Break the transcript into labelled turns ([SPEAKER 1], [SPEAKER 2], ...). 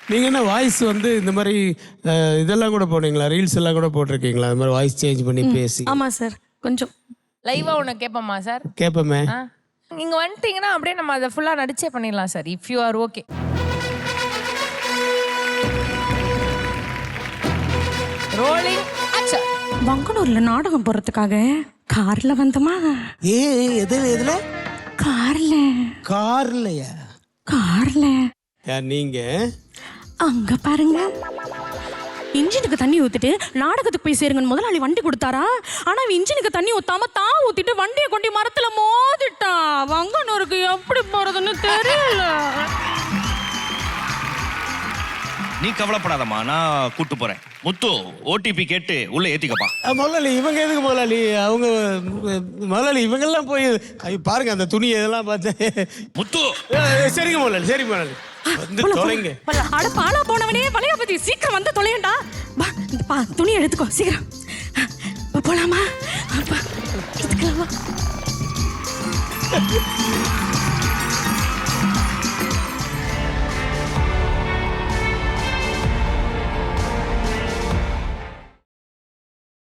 [SPEAKER 1] நீங்கள் என்ன வாய்ஸ் வந்து இந்த மாதிரி இதெல்லாம் கூட போனீங்களா, ரீல்ஸ் எல்லாம் கூட போட்டிருக்கீங்களா? இந்த மாதிரி வாய்ஸ் சேஞ்ச் பண்ணி பேசி.
[SPEAKER 2] ஆமாம் சார், கொஞ்சம்
[SPEAKER 3] லைவா உனக்கு கேட்போமா சார்?
[SPEAKER 1] கேட்போமே.
[SPEAKER 3] நீங்க வந்துட்டீங்கன்னா அப்படியே நம்ம அதை ஃபுல்லா நடிச்சே பண்ணிடலாம் sir, if you are okay. Rolling action.
[SPEAKER 2] வங்கனூர்ல நாடகம் போறதுக்காக கார்ல வந்தோமா?
[SPEAKER 1] எதுல?
[SPEAKER 2] கார்ல.
[SPEAKER 1] கார்லையா?
[SPEAKER 2] கார்ல.
[SPEAKER 1] நீங்க
[SPEAKER 2] அங்க பாருங்க, இன்ஜினுக்கு தண்ணி ஊத்திட்டு நாடகத்துக்கு போய் சேருங்க முதலாளி வண்டி கொடுத்தாரா. ஆனா இன்ஜினுக்கு தண்ணி ஊத்தாம தான் ஊத்திட்டு வண்டியை கொண்டு மரத்துல மோதிட்டா. வங்கனூருக்கு எப்படி போறதுன்னு தெரியல.
[SPEAKER 4] நீ கவலைப்படாதம்மா, நான் கூட்டு போறேன். முத்து ஓடிபி கேட்டு உள்ள ஏத்திக்கப்பா.
[SPEAKER 1] முதலாளி இவங்க எதுக்கு முதலாளி? அவங்க முதலாளி இவங்கெல்லாம் போய் பாருங்க அந்த துணி இதெல்லாம் பார்த்து.
[SPEAKER 4] முத்து
[SPEAKER 1] சரிங்க முதலாளி, சரிங்க முதலாளி. வந்து தொலைங்க.
[SPEAKER 2] அட பாலா போனவனே, வளைய பத்தி சீக்கிரம் வந்து தொலையண்டா. வா, இந்த துணி எடுத்துக்கோ சீக்கிரம். போலாமா? இதுக்கெல்லாம்